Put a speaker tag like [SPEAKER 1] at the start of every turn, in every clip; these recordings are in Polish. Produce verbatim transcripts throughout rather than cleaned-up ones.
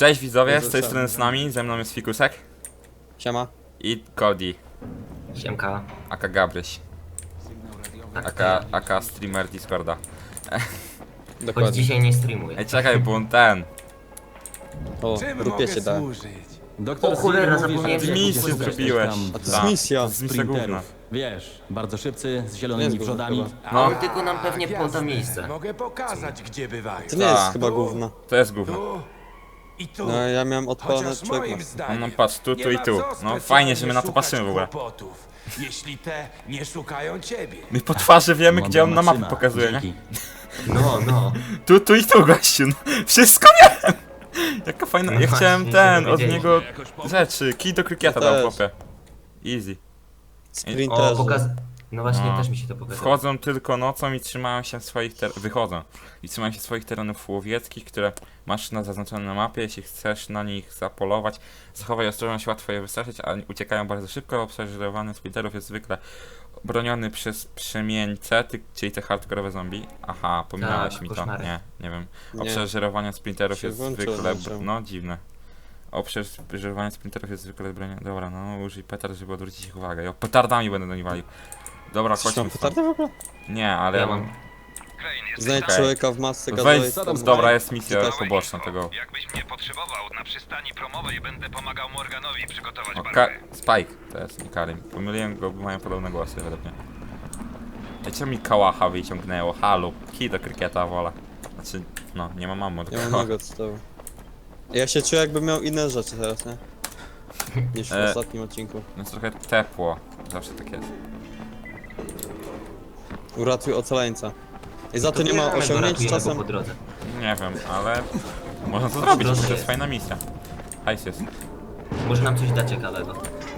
[SPEAKER 1] Cześć widzowie,
[SPEAKER 2] Jezu,
[SPEAKER 1] z tej
[SPEAKER 2] czemu?
[SPEAKER 1] strony z nami, ze mną jest Fikusek
[SPEAKER 2] Siema.
[SPEAKER 1] i Cody,
[SPEAKER 3] Siemka.
[SPEAKER 1] aka Gabryś,
[SPEAKER 3] Tak,
[SPEAKER 1] aka, aka streamer Discorda.
[SPEAKER 3] Choć
[SPEAKER 2] Dokładnie.
[SPEAKER 3] dzisiaj nie streamuję.
[SPEAKER 1] Ej, czekaj, bo on ten,
[SPEAKER 2] O,
[SPEAKER 4] Czym
[SPEAKER 2] grupie
[SPEAKER 4] mogę
[SPEAKER 2] się da.
[SPEAKER 4] służyć?
[SPEAKER 5] Doktor
[SPEAKER 3] O cholera,
[SPEAKER 5] Steve mówi,
[SPEAKER 3] zapomniałem,
[SPEAKER 5] że
[SPEAKER 3] że
[SPEAKER 1] misję
[SPEAKER 5] szukać
[SPEAKER 1] zrobiłeś.
[SPEAKER 5] tam
[SPEAKER 2] A to
[SPEAKER 1] Tak.
[SPEAKER 2] jest misja.
[SPEAKER 1] Z misja główna.
[SPEAKER 5] sprinterów. Wiesz, bardzo szybcy, z
[SPEAKER 2] Nie
[SPEAKER 5] zielonymi
[SPEAKER 2] jest główna
[SPEAKER 5] przodami.
[SPEAKER 2] chyba.
[SPEAKER 1] No.
[SPEAKER 3] On tylko nam pewnie
[SPEAKER 4] Tak,
[SPEAKER 3] poda
[SPEAKER 4] jasne.
[SPEAKER 3] miejsce.
[SPEAKER 4] Mogę pokazać, gdzie bywają.
[SPEAKER 2] To nie jest
[SPEAKER 1] Tak.
[SPEAKER 2] chyba gówno.
[SPEAKER 1] to jest gówno.
[SPEAKER 4] Tu i tu.
[SPEAKER 2] No ja miałem odpalone
[SPEAKER 4] Chociaż
[SPEAKER 2] człowiek
[SPEAKER 4] moim
[SPEAKER 2] ma.
[SPEAKER 4] zdaniem
[SPEAKER 1] No, no patrz, tu,
[SPEAKER 4] nie
[SPEAKER 1] tu i
[SPEAKER 4] ma
[SPEAKER 1] tu.
[SPEAKER 4] co
[SPEAKER 1] No
[SPEAKER 4] specjalnie
[SPEAKER 1] fajnie, że my na to
[SPEAKER 4] szukać
[SPEAKER 1] patrzymy w ogóle.
[SPEAKER 4] kłopotów, jeśli te nie szukają ciebie.
[SPEAKER 1] My po twarzy wiemy,
[SPEAKER 5] Mądra
[SPEAKER 1] gdzie on na mapie
[SPEAKER 5] maksyma.
[SPEAKER 1] pokazuje, nie?
[SPEAKER 5] Dzięki.
[SPEAKER 3] No, no.
[SPEAKER 1] Tu, tu i tu, gościu, no. Wszystko wiem! Jaka fajna,
[SPEAKER 3] No
[SPEAKER 1] ja
[SPEAKER 3] właśnie,
[SPEAKER 1] chciałem
[SPEAKER 3] się
[SPEAKER 1] ten, od
[SPEAKER 3] dowiedzieliśmy.
[SPEAKER 1] niego rzeczy, kij do krykieta
[SPEAKER 2] Ja
[SPEAKER 1] dał,
[SPEAKER 2] też.
[SPEAKER 1] chłopie. Easy.
[SPEAKER 3] O,
[SPEAKER 2] Sprinterzy.
[SPEAKER 3] pokaz... No właśnie,
[SPEAKER 1] No.
[SPEAKER 3] też mi się to pokazało.
[SPEAKER 1] Wchodzą tylko nocą i trzymają się swoich ter... wychodzą i trzymają się swoich terenów łowieckich, które masz na zaznaczone na mapie. Jeśli chcesz na nich zapolować, zachowaj ostrożność, łatwo je wystraszyć, a uciekają bardzo szybko. Obserwowany sprinterów jest zwykle broniony przez przemieńce, ty, czyli te hardkorowe zombie. Aha, pominąłeś
[SPEAKER 3] Tak,
[SPEAKER 1] mi to.
[SPEAKER 3] koszmary.
[SPEAKER 1] Nie, nie wiem.
[SPEAKER 2] Nie.
[SPEAKER 1] Obserwowanie sprinterów
[SPEAKER 2] Się
[SPEAKER 1] jest
[SPEAKER 2] włączyło,
[SPEAKER 1] zwykle...
[SPEAKER 2] włączyło.
[SPEAKER 1] Br... No, dziwne. Obserwowanie sprinterów jest zwykle bronione. Dobra, no użyj petard, żeby odwrócić ich uwagę. Ja petardami będę do nich walił. Dobra,
[SPEAKER 2] Coś
[SPEAKER 1] chodźmy
[SPEAKER 2] mam
[SPEAKER 1] stąd.
[SPEAKER 2] petardę w ogóle?
[SPEAKER 1] Nie, ale
[SPEAKER 3] Ja
[SPEAKER 1] ja
[SPEAKER 3] mam.
[SPEAKER 1] mam...
[SPEAKER 2] Znajdź
[SPEAKER 1] Okej.
[SPEAKER 2] człowieka w masce
[SPEAKER 1] Weź,
[SPEAKER 2] gazowej.
[SPEAKER 5] Co tam z
[SPEAKER 1] dobra,
[SPEAKER 5] Spike?
[SPEAKER 1] jest misja
[SPEAKER 2] Czytaj.
[SPEAKER 1] poboczna tego.
[SPEAKER 6] Jakbyś mnie potrzebował na przystani promowej, będę pomagał Morganowi przygotować
[SPEAKER 1] O, Ka
[SPEAKER 6] barwę.
[SPEAKER 1] Spike to jest, nie Karim. Pomyliłem go, bo mają podobne głosy według mnie. Ej, czemu mi kałacha wyciągnęło? Halo, kij do krykieta wolę. Znaczy, no, nie ma mamu do
[SPEAKER 2] Ja mam
[SPEAKER 1] kałacha.
[SPEAKER 2] nogę od tyłu. Ja się czuję jakbym miał inne rzeczy teraz, nie? Niż w
[SPEAKER 1] E.
[SPEAKER 2] ostatnim odcinku.
[SPEAKER 1] No trochę tepło, zawsze tak jest.
[SPEAKER 2] Uratuj ocaleńca. I za to nie ma
[SPEAKER 3] bierzemy go,
[SPEAKER 2] osiągnięć
[SPEAKER 3] ratujemy go
[SPEAKER 2] czasem.
[SPEAKER 3] po drodze.
[SPEAKER 1] Nie wiem, ale można to zrobić,
[SPEAKER 3] drodze
[SPEAKER 1] to jest
[SPEAKER 3] jest.
[SPEAKER 1] fajna misja. Hajs jest.
[SPEAKER 3] Może nam coś da ciekawego.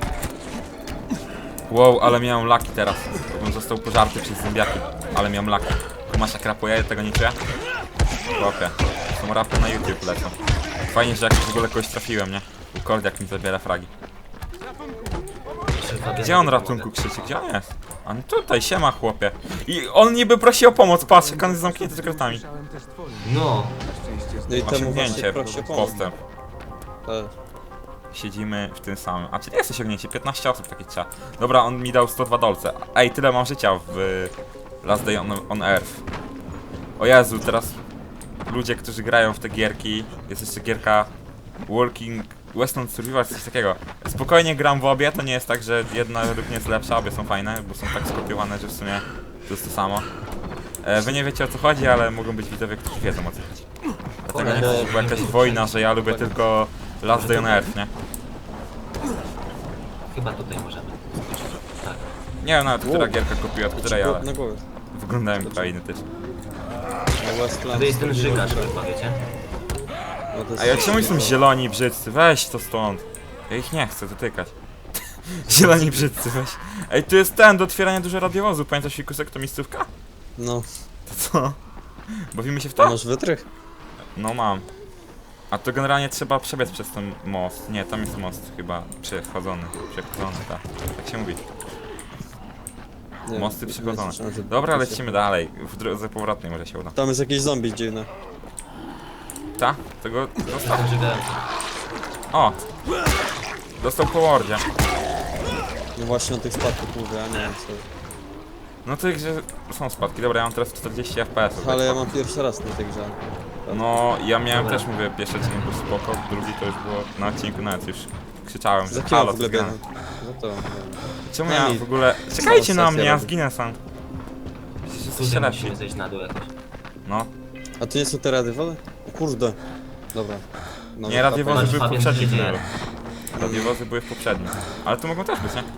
[SPEAKER 1] Wow, ale miałem laki teraz. Bym został pożarty przez zębiaki. Ale miałem laki. Kumasz jak rapuje, tego nie czuję? Chłopie. Są rapy na YouTube lecą. Fajnie, że jakoś w ogóle kogoś trafiłem, nie? U Kordiak mi zabiera fragi.
[SPEAKER 3] Jeszcze Fabian
[SPEAKER 1] Gdzie on
[SPEAKER 3] pomogę.
[SPEAKER 1] ratunku krzyczy? Gdzie on jest? A no tutaj, siema chłopie. I on niby prosi o pomoc, patrz jak on jest zamknięty sekretami.
[SPEAKER 3] No.
[SPEAKER 2] No i temu właśnie
[SPEAKER 1] Osiągnięcie,
[SPEAKER 2] proszę pomóc.
[SPEAKER 1] postęp.
[SPEAKER 2] Tak.
[SPEAKER 1] Siedzimy w tym samym. A czy nie jest osiągnięcie? piętnaście osób takie trzeba. Dobra, on mi dał sto dwa dolce. Ej, tyle mam życia w y, Last Day on, on Earth. O Jezu, teraz ludzie, którzy grają w te gierki, jest jeszcze gierka Working Western Survival, coś takiego. Spokojnie gram w obie, to nie jest tak, że jedna według mnie jest lepsza, obie są fajne, bo są tak skopiowane, że w sumie to jest to samo. E, wy nie wiecie o co chodzi, ale mogą być widzowie, którzy wiedzą o co chodzi. Dlatego nie
[SPEAKER 3] Cholera.
[SPEAKER 1] chcę, była jakaś wojna, że ja lubię tylko Last Day on Earth, nie?
[SPEAKER 3] Chyba tutaj możemy. Tak.
[SPEAKER 1] Nie wiem nawet, która
[SPEAKER 2] Wow.
[SPEAKER 1] gierka kupiła, od której, ale
[SPEAKER 2] Na głowie.
[SPEAKER 1] wyglądają chyba identycznie.
[SPEAKER 2] Na Westland.
[SPEAKER 3] To jest ten żygacz chyba, wiecie?
[SPEAKER 2] No to jest-
[SPEAKER 1] A ja czemu są zieloni brzydcy? Weź to stąd. Ja ich nie chcę dotykać. Zieloni brzydcy, weź. Ej, tu jest ten do otwierania dużo radiowozu. Pamiętasz Fikusek, to miejscówka?
[SPEAKER 2] No,
[SPEAKER 1] To co? Bawimy się w
[SPEAKER 2] to
[SPEAKER 1] to?
[SPEAKER 2] masz wytrych?
[SPEAKER 1] No mam. A to generalnie trzeba przebiec przez ten most. Nie, tam jest most chyba przechodzony. Przechodzony, tak. Tak się mówi.
[SPEAKER 2] Nie,
[SPEAKER 1] Mosty
[SPEAKER 2] nie
[SPEAKER 1] przechodzone.
[SPEAKER 2] słyszałem, że-
[SPEAKER 1] Dobra, lecimy dalej. W drodze powrotnej może się uda.
[SPEAKER 2] Tam jest jakieś zombie dziwne.
[SPEAKER 1] Ta? Tego zostaw.
[SPEAKER 3] Ten żygacz.
[SPEAKER 1] O! Dostał po mordzie.
[SPEAKER 2] No właśnie o tych spadkach mówię, a nie wiem co.
[SPEAKER 1] No to że są spadki. Dobra, ja mam teraz czterdzieści F P S.
[SPEAKER 2] Ale ja mam pierwszy raz na tej grze.
[SPEAKER 1] No, ja miałem
[SPEAKER 3] Dobra.
[SPEAKER 1] też, mówię, pierwszy odcinek był spoko, drugi to już było na odcinku nawet już krzyczałem, że
[SPEAKER 2] Za kim
[SPEAKER 1] halo,
[SPEAKER 2] w
[SPEAKER 1] co
[SPEAKER 2] ogóle
[SPEAKER 1] zgrane.
[SPEAKER 2] biegam? Za to, nie wiem.
[SPEAKER 1] Czemu
[SPEAKER 2] No
[SPEAKER 1] ja
[SPEAKER 2] nic.
[SPEAKER 1] w ogóle... Czekajcie na
[SPEAKER 2] sesja
[SPEAKER 1] mnie, ja
[SPEAKER 2] robi.
[SPEAKER 1] zginę sam. Przecież jesteście
[SPEAKER 3] Tutaj
[SPEAKER 1] lepsi.
[SPEAKER 3] musimy zejść na dół jakoś.
[SPEAKER 1] No,
[SPEAKER 2] A to nie są te radiowozy? O kurde. Dobra. No,
[SPEAKER 1] nie, radiowozy
[SPEAKER 3] Patrz,
[SPEAKER 1] były w
[SPEAKER 3] Fabian,
[SPEAKER 1] poprzednim
[SPEAKER 3] co się dzieje?
[SPEAKER 1] tunelu. Radiowozy były w poprzednim. Ale tu mogą też być, nie?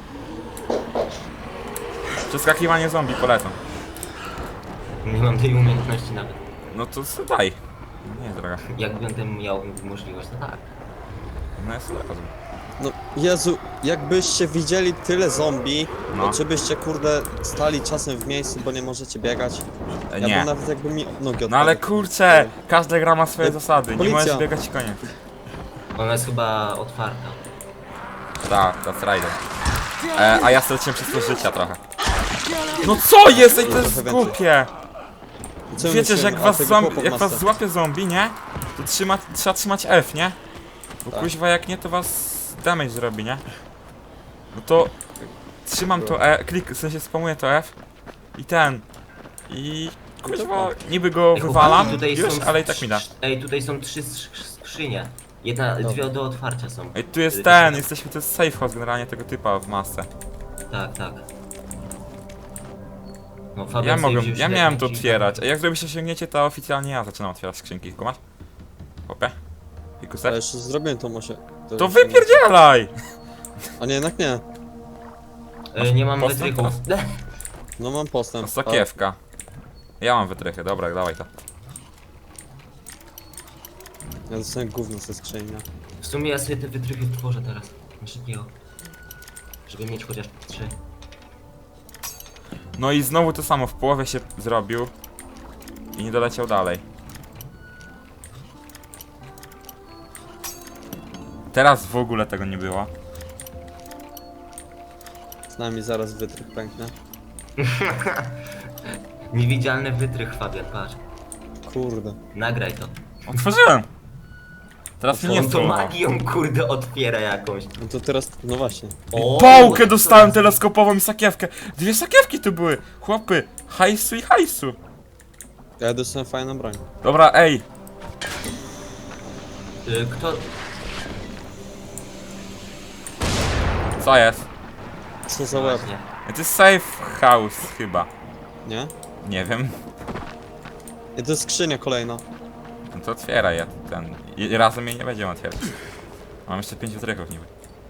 [SPEAKER 1] Przeskakiwanie zombie polecam.
[SPEAKER 3] Nie mam tej umiejętności nawet.
[SPEAKER 1] No to s- daj. No nie, droga.
[SPEAKER 3] Jakbym tym miał możliwość, to tak.
[SPEAKER 1] No jest od razu.
[SPEAKER 2] No Jezu, jakbyście widzieli tyle zombie,
[SPEAKER 1] No.
[SPEAKER 2] to czy byście kurde stali czasem w miejscu, bo nie możecie biegać?
[SPEAKER 1] E,
[SPEAKER 2] Ja
[SPEAKER 1] Nie.
[SPEAKER 2] bym nawet jakby mi nogi
[SPEAKER 1] No ale
[SPEAKER 2] odpadły.
[SPEAKER 1] kurczę, każda gra ma swoje
[SPEAKER 2] E,
[SPEAKER 1] zasady. Nie
[SPEAKER 2] policja.
[SPEAKER 1] możesz biegać i koniec.
[SPEAKER 3] Ona jest chyba otwarta.
[SPEAKER 1] Tak, that's right. E, a ja straciłem przez to życia trochę. No co jest? Ej, to jest
[SPEAKER 2] Trochę więcej.
[SPEAKER 1] głupie!
[SPEAKER 2] Co my
[SPEAKER 1] Wiecie, że
[SPEAKER 2] myślimy?
[SPEAKER 1] jak
[SPEAKER 2] A,
[SPEAKER 1] was,
[SPEAKER 2] tego
[SPEAKER 1] złam,
[SPEAKER 2] chłopa w
[SPEAKER 1] jak was
[SPEAKER 2] masce.
[SPEAKER 1] złapie zombie, nie? To trzyma, trzeba trzymać F, nie? Bo
[SPEAKER 2] Tak.
[SPEAKER 1] kuźwa jak nie, to was damage zrobi, nie? No to trzymam to E, klik, w sensie spamuję to F i ten. I kuźwa niby go
[SPEAKER 3] Ej,
[SPEAKER 1] wywalam
[SPEAKER 3] chłopaki, tutaj
[SPEAKER 1] już,
[SPEAKER 3] są
[SPEAKER 1] ale i tak mi da.
[SPEAKER 3] Ej, tutaj są trzy skrzy- skrzynie. Jedna, dwie do otwarcia są.
[SPEAKER 1] Ej, tu jest
[SPEAKER 3] Yy,
[SPEAKER 1] ten, jesteśmy, to jest safe house generalnie tego typa w masce.
[SPEAKER 3] Tak, tak. No, Fabian
[SPEAKER 1] Ja
[SPEAKER 3] sobie
[SPEAKER 1] mogłem,
[SPEAKER 3] wziął
[SPEAKER 1] ja
[SPEAKER 3] średni,
[SPEAKER 1] miałem to
[SPEAKER 3] czyli-
[SPEAKER 1] otwierać, a jak zrobisz osiągnięcie, to oficjalnie ja zaczynam otwierać skrzynki, kumasz? Hopie?
[SPEAKER 2] Ja
[SPEAKER 1] Fikusek?
[SPEAKER 2] jeszcze zrobiłem to może.
[SPEAKER 1] To wypierdzielaj!
[SPEAKER 2] A nie, jednak nie.
[SPEAKER 3] E, nie mam
[SPEAKER 1] postęp
[SPEAKER 3] wytrychów.
[SPEAKER 2] No mam postęp.
[SPEAKER 1] Sakiewka. Ja mam wytrychy, dobra, dawaj to.
[SPEAKER 2] A ja dostałem gówno ze skrzyni. nie?
[SPEAKER 3] W sumie ja sobie te wytrychy tworzę teraz. Na szybkiego. Żeby mieć chociaż trzy.
[SPEAKER 1] No i znowu to samo, w połowie się zrobił i nie doleciał dalej. Teraz w ogóle tego nie było.
[SPEAKER 2] Z nami zaraz wytrych pęknie.
[SPEAKER 3] Niewidzialny wytrych, Fabian, patrz.
[SPEAKER 2] Kurde.
[SPEAKER 3] Nagraj to.
[SPEAKER 1] Otworzyłem! Teraz mnie nie
[SPEAKER 3] On to
[SPEAKER 1] spróbował.
[SPEAKER 3] magią, kurde, otwiera jakąś.
[SPEAKER 2] No to teraz, no właśnie.
[SPEAKER 3] O,
[SPEAKER 1] Pałkę dostałem teleskopową i sakiewkę. Dwie sakiewki tu były. Chłopy, hajsu i hajsu.
[SPEAKER 2] Ja dostałem fajną broń.
[SPEAKER 1] Dobra, ej.
[SPEAKER 3] Y, Kto...
[SPEAKER 1] Co jest?
[SPEAKER 2] Co za łeb,
[SPEAKER 3] Właśnie.
[SPEAKER 1] To jest safe house chyba.
[SPEAKER 2] nie?
[SPEAKER 1] Nie wiem.
[SPEAKER 2] I to jest skrzynia kolejna.
[SPEAKER 1] No to otwieraj ja ten. I razem jej nie będziemy otwierać. Mam jeszcze pięć wytrychów niby.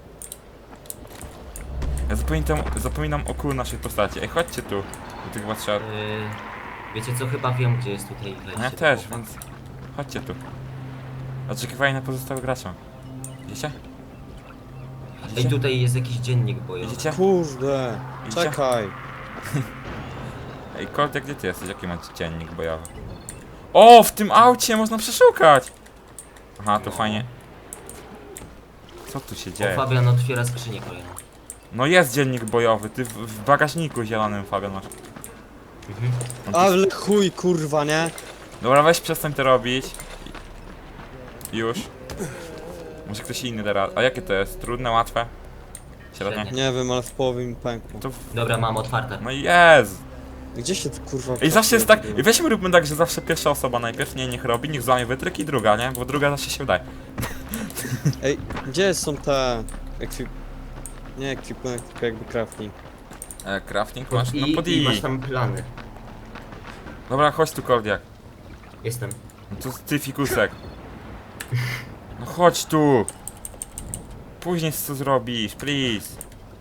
[SPEAKER 1] Ja zapominam, zapominam o kół naszej postaci. Ej, chodźcie tu. Do tych chyba trzeba...
[SPEAKER 3] Y, Wiecie co, chyba wiem, gdzie jest tutaj wejście.
[SPEAKER 1] Ja
[SPEAKER 3] do
[SPEAKER 1] też,
[SPEAKER 3] chłopa.
[SPEAKER 1] więc... Chodźcie tu. Oczekiwanie na pozostałych graczy. Widzicie?
[SPEAKER 3] Ej,
[SPEAKER 1] Widzicie?
[SPEAKER 3] tutaj jest jakiś dziennik bojowy.
[SPEAKER 1] Widzicie?
[SPEAKER 2] Kurde.
[SPEAKER 1] Idzie?
[SPEAKER 2] Czekaj.
[SPEAKER 1] Ej, Koltek, gdzie ty jesteś? Jaki masz dziennik bojowy? O, w tym aucie można przeszukać! Aha, to fajnie. Co tu się
[SPEAKER 3] O,
[SPEAKER 1] dzieje?
[SPEAKER 3] Fabian otwiera skrzynię kolejną.
[SPEAKER 1] No jest dziennik bojowy, ty w, w bagażniku zielonym, Fabian, masz.
[SPEAKER 3] Mhm.
[SPEAKER 2] Ale chuj, kurwa, nie?
[SPEAKER 1] Dobra, weź przestań to robić. Już. Może ktoś inny teraz. A jakie to jest? Trudne, łatwe? Średnie?
[SPEAKER 3] Średnie.
[SPEAKER 2] Nie wiem, ale w połowie mi pękło.
[SPEAKER 1] To w...
[SPEAKER 3] Dobra, mam otwarte.
[SPEAKER 1] No jest!
[SPEAKER 2] Gdzie się to kurwa...
[SPEAKER 1] I zawsze jest tak,
[SPEAKER 2] trafiło?
[SPEAKER 1] i weźmy róbmy tak, że zawsze pierwsza osoba najpierw nie niech robi, niech złamie wytryk i druga, nie? Bo druga zawsze się udaje.
[SPEAKER 2] Ej, gdzie są te... Ekwip... Nie ekwipunek, tylko jakby crafting.
[SPEAKER 1] E, crafting masz? No
[SPEAKER 3] I,
[SPEAKER 1] pod
[SPEAKER 3] I
[SPEAKER 1] I.
[SPEAKER 3] masz tam plany.
[SPEAKER 1] Dobra, chodź tu, Kordiak.
[SPEAKER 3] Jestem.
[SPEAKER 1] No to ty, fikusek. No chodź tu! Później co zrobisz, please.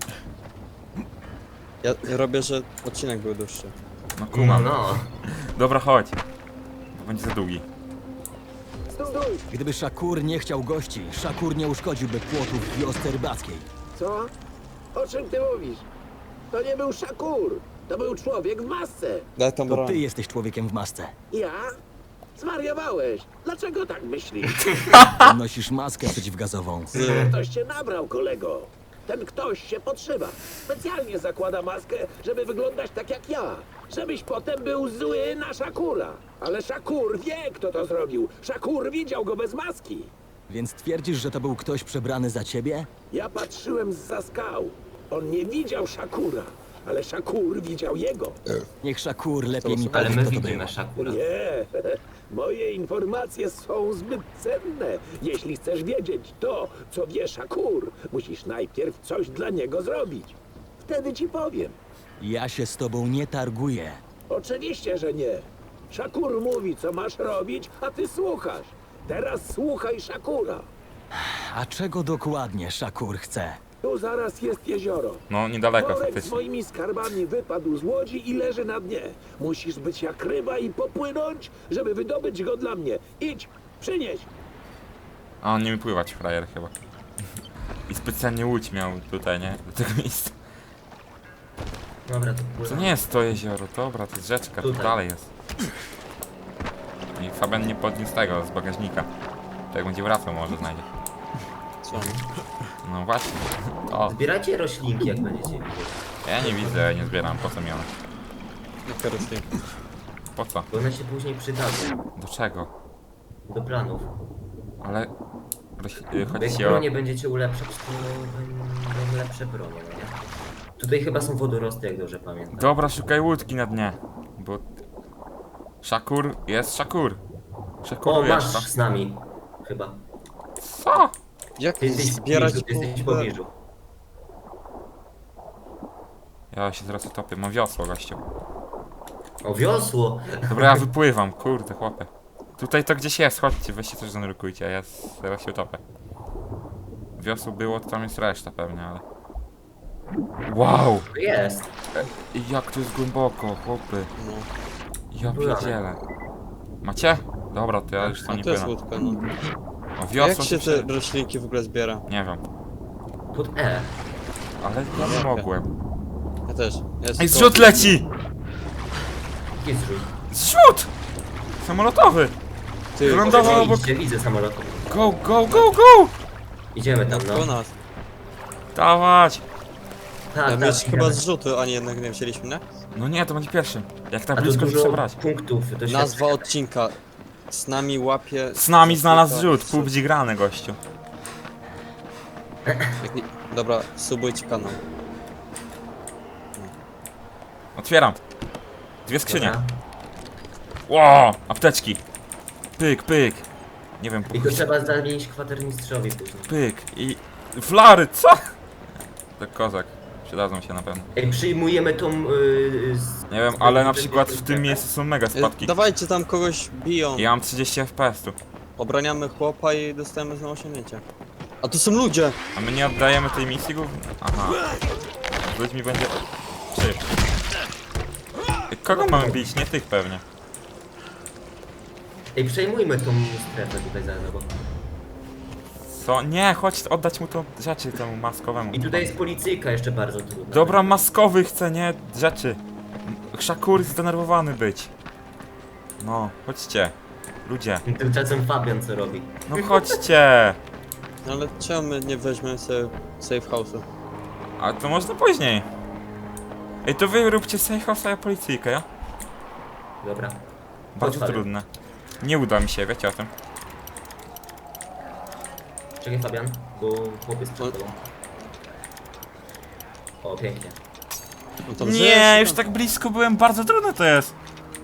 [SPEAKER 2] Ja, ja robię, że odcinek był dłuższy.
[SPEAKER 1] No
[SPEAKER 3] No,
[SPEAKER 1] kumam.
[SPEAKER 3] no.
[SPEAKER 1] Dobra, chodź. Bo będzie za długi.
[SPEAKER 5] Gdyby Szakur nie chciał gości, Szakur nie uszkodziłby płotów w wiosce rybackiej.
[SPEAKER 7] Co? O czym ty mówisz? To nie był Szakur. To był człowiek w masce.
[SPEAKER 2] Daj tam
[SPEAKER 5] To
[SPEAKER 2] broń.
[SPEAKER 5] ty jesteś człowiekiem w masce.
[SPEAKER 7] Ja? Zwariowałeś. Dlaczego tak myślisz?
[SPEAKER 5] Nosisz maskę przeciwgazową.
[SPEAKER 7] Ktoś cię nabrał, kolego. Ten ktoś się podszywa. Specjalnie zakłada maskę, żeby wyglądać tak jak ja. Żebyś potem był zły na Szakura. Ale Szakur wie, kto to zrobił. Szakur widział go bez maski.
[SPEAKER 5] Więc twierdzisz, że to był ktoś przebrany za ciebie?
[SPEAKER 7] Ja patrzyłem zza skał. On nie widział Szakura, ale Szakur widział jego.
[SPEAKER 5] Niech Szakur lepiej mi
[SPEAKER 3] Ale
[SPEAKER 5] powie,
[SPEAKER 3] my
[SPEAKER 5] kto to
[SPEAKER 3] widzimy
[SPEAKER 5] był.
[SPEAKER 3] Szakura.
[SPEAKER 7] Nie, moje informacje są zbyt cenne. Jeśli chcesz wiedzieć to, co wie Szakur, musisz najpierw coś dla niego zrobić. Wtedy ci powiem.
[SPEAKER 5] Ja się z tobą nie targuję.
[SPEAKER 7] Oczywiście, że nie. Szakur mówi, co masz robić, a ty słuchasz. Teraz słuchaj Szakura.
[SPEAKER 5] A czego dokładnie Szakur chce?
[SPEAKER 7] Tu zaraz jest jezioro.
[SPEAKER 1] No, niedaleko
[SPEAKER 7] Worek z
[SPEAKER 1] faktycznie.
[SPEAKER 7] moimi skarbami wypadł z łodzi i leży na dnie. Musisz być jak ryba i popłynąć, żeby wydobyć go dla mnie. Idź, przynieś.
[SPEAKER 1] A on nie umie pływać, frajer chyba. I specjalnie łódź miał tutaj, nie? Do tego miejsca.
[SPEAKER 3] Dobra, to
[SPEAKER 1] To
[SPEAKER 3] płynę.
[SPEAKER 1] nie jest to jezioro, dobra, to jest rzeczka, to
[SPEAKER 3] Tutaj.
[SPEAKER 1] dalej jest. I Fabian nie podniósł tego z bagażnika. To jak będzie wracał, może znajdzie.
[SPEAKER 2] Co?
[SPEAKER 1] No właśnie. O,
[SPEAKER 3] Zbierajcie roślinki, jak będziecie widzieć.
[SPEAKER 1] ja nie widzę, nie zbieram, po co mi one?
[SPEAKER 2] Jaka roślinka?
[SPEAKER 1] Po co?
[SPEAKER 3] Bo one się później przydadzą.
[SPEAKER 1] Do czego?
[SPEAKER 3] Do planów.
[SPEAKER 1] Ale... roś- y,
[SPEAKER 3] Bo
[SPEAKER 1] Chodzi
[SPEAKER 3] jak
[SPEAKER 1] ci o...
[SPEAKER 3] bronie będziecie ulepszać, to będą lepsze bronie, no nie? Tutaj chyba są wodorosty, jak dobrze pamiętam.
[SPEAKER 1] Dobra, szukaj łódki na dnie. Bo... Szakur, jest Szakur.
[SPEAKER 3] O,
[SPEAKER 1] Szakur
[SPEAKER 3] masz
[SPEAKER 1] jest.
[SPEAKER 3] z nami. Chyba.
[SPEAKER 1] Co?
[SPEAKER 2] Jak
[SPEAKER 3] Ty jesteś w
[SPEAKER 2] zbierać
[SPEAKER 3] pobliżu, ty jesteś w
[SPEAKER 2] kurde?
[SPEAKER 3] pobliżu.
[SPEAKER 1] Ja się zaraz utopię. Mam wiosło, gościu.
[SPEAKER 3] O, wiosło!
[SPEAKER 1] Dobra, ja wypływam, kurde, chłopie. Tutaj to gdzieś jest, chodźcie, weźcie coś zanurkujcie, a ja s- zaraz się utopię. Wiosło było, to tam jest reszta pewnie, ale... Wow!
[SPEAKER 3] To jest.
[SPEAKER 1] I jak to jest głęboko, chłopy.
[SPEAKER 2] No.
[SPEAKER 1] Ja pierdzielę. Macie? Dobra, to ja już to
[SPEAKER 2] A
[SPEAKER 1] nie
[SPEAKER 2] to jest
[SPEAKER 1] płynę.
[SPEAKER 2] łódka, no.
[SPEAKER 1] O,
[SPEAKER 2] Jak
[SPEAKER 1] wiosło
[SPEAKER 2] się
[SPEAKER 1] się...
[SPEAKER 2] te roślinki w ogóle zbiera?
[SPEAKER 1] Nie wiem,
[SPEAKER 3] Pod E.
[SPEAKER 1] ale ja nie mogłem.
[SPEAKER 2] Ja też. Jest
[SPEAKER 1] Ej,
[SPEAKER 2] to-
[SPEAKER 1] zrzut leci!
[SPEAKER 3] Jest zrzut.
[SPEAKER 1] Zrzut! Samolotowy!
[SPEAKER 2] Ty,
[SPEAKER 1] Wylądował
[SPEAKER 3] Widzę,
[SPEAKER 1] obok...
[SPEAKER 3] Widzę, widzę samolot.
[SPEAKER 1] Go, go, go, go!
[SPEAKER 3] Idziemy tam,
[SPEAKER 2] po
[SPEAKER 3] no.
[SPEAKER 2] nas.
[SPEAKER 1] Dawać!
[SPEAKER 3] Tak,
[SPEAKER 2] Ja
[SPEAKER 3] tak,
[SPEAKER 2] wiesz, chyba
[SPEAKER 3] idziemy.
[SPEAKER 2] zrzuty, a nie jednak nie wzięliśmy, nie?
[SPEAKER 1] No nie, to będzie pierwszy. Jak tak
[SPEAKER 3] A to
[SPEAKER 1] blisko, to
[SPEAKER 3] dużo
[SPEAKER 1] trzeba brać.
[SPEAKER 3] punktów do
[SPEAKER 2] Nazwa odcinka. Z nami łapie...
[SPEAKER 1] Z nami znalazł
[SPEAKER 2] zrzuta-
[SPEAKER 1] zrzut, pół będzie grany, gościu.
[SPEAKER 2] Jak nie... Dobra, subujcie kanał.
[SPEAKER 1] Otwieram. Dwie skrzynie.
[SPEAKER 3] Dobra.
[SPEAKER 1] Ło! Apteczki. Pyk, pyk. Nie wiem,
[SPEAKER 3] I to trzeba zamienić kwatermistrzowi później.
[SPEAKER 1] pyk. I... Flary, co? To kozak. Przydadzą się na pewno.
[SPEAKER 3] Ej, przyjmujemy tą... Yy, z...
[SPEAKER 1] Nie wiem, ale na przykład w tym miejscu są mega
[SPEAKER 2] E,
[SPEAKER 1] spadki.
[SPEAKER 2] Dawajcie tam kogoś biją.
[SPEAKER 1] Ja mam trzydzieści F P S tu.
[SPEAKER 2] Obraniamy chłopa i dostajemy znowu osiągnięcie. A tu są ludzie!
[SPEAKER 1] A my nie oddajemy tej misji głównie? Aha. Z ludźmi będzie... Czy? Kogo mamy bić? Nie tych pewnie.
[SPEAKER 3] Ej, przejmujmy tą strefę tutaj za bo...
[SPEAKER 1] Co? Nie, chodź oddać mu to rzeczy temu maskowemu.
[SPEAKER 3] I tutaj jest policyjka jeszcze bardzo trudna.
[SPEAKER 1] Dobra, maskowy chce, nie? Rzeczy. Szakur zdenerwowany być. No, chodźcie. Ludzie.
[SPEAKER 3] Tymczasem Fabian co robi?
[SPEAKER 1] No chodźcie.
[SPEAKER 2] No ale czemu my nie weźmiemy sobie safe house'u?
[SPEAKER 1] A to można później. Ej, to wy róbcie safe house, a ja policyjkę, ja?
[SPEAKER 3] Dobra.
[SPEAKER 1] Bardzo
[SPEAKER 3] Fabian.
[SPEAKER 1] trudne. Nie uda mi się, wiecie o tym.
[SPEAKER 3] Czekaj Fabian, bo chłopiec przed tobą. O, pięknie.
[SPEAKER 2] No to
[SPEAKER 1] Nie,
[SPEAKER 2] wziąłeś-
[SPEAKER 1] już tak blisko byłem, bardzo trudne to jest.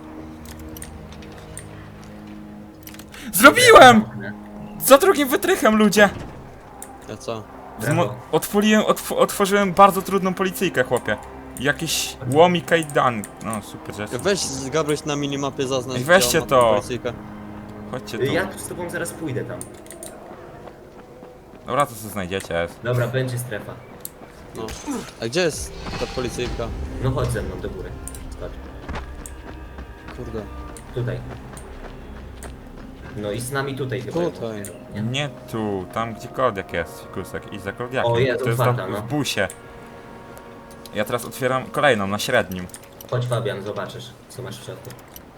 [SPEAKER 1] Zrobiłem! Za drugim wytrychem, ludzie!
[SPEAKER 2] Ja co?
[SPEAKER 1] Zmo- otworzyłem, otw otworzyłem bardzo trudną policyjkę, chłopie. Jakieś łomi kajdan. No, super rzecz.
[SPEAKER 2] Weź Gabryś na minimapie zaznacz.
[SPEAKER 1] Ej, weźcie
[SPEAKER 2] gdzie on ma
[SPEAKER 1] to.
[SPEAKER 2] tą policyjkę.
[SPEAKER 1] Chodźcie tu.
[SPEAKER 3] Ja z tobą zaraz pójdę tam.
[SPEAKER 1] Dobra, to co znajdziecie.
[SPEAKER 3] Dobra, będzie strefa.
[SPEAKER 2] No. A gdzie jest ta policyjka?
[SPEAKER 3] No chodź ze mną do góry. Skocz.
[SPEAKER 2] Kurde.
[SPEAKER 3] Tutaj. No i z nami tutaj chyba.
[SPEAKER 2] Tutaj.
[SPEAKER 3] Nie?
[SPEAKER 1] Nie tu, tam gdzie Kordiak jest, fikusek. I za Kordiakiem.
[SPEAKER 3] O, jest
[SPEAKER 1] to jest
[SPEAKER 3] otwarta,
[SPEAKER 1] tam
[SPEAKER 3] no.
[SPEAKER 1] w busie. Ja teraz otwieram kolejną, na średnim.
[SPEAKER 3] Chodź Fabian, zobaczysz co masz w środku.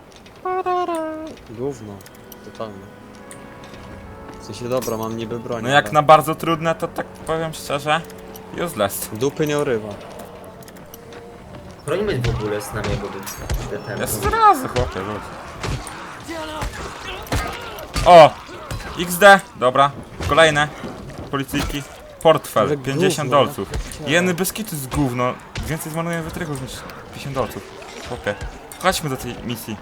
[SPEAKER 2] Gówno. Totalnie. W sensie dobra, mam niby broń.
[SPEAKER 1] No jak
[SPEAKER 2] ale
[SPEAKER 1] na bardzo trudne, to tak powiem szczerze, useless.
[SPEAKER 2] Dupy nie urywa.
[SPEAKER 3] Chronimy w ogóle z nami jego ten.
[SPEAKER 1] Jest zrazu, chłopie, lud. O! X D, dobra. Kolejne. Policyjki. Portfel,
[SPEAKER 2] Ale
[SPEAKER 1] pięćdziesiąt
[SPEAKER 2] gówno,
[SPEAKER 1] dolców.
[SPEAKER 2] ja
[SPEAKER 1] Jeny bez kitu z gówno. Więcej zmarnuję wytrychów niż pięćdziesiąt dolców. Chłopie. Chodźmy do tej misji.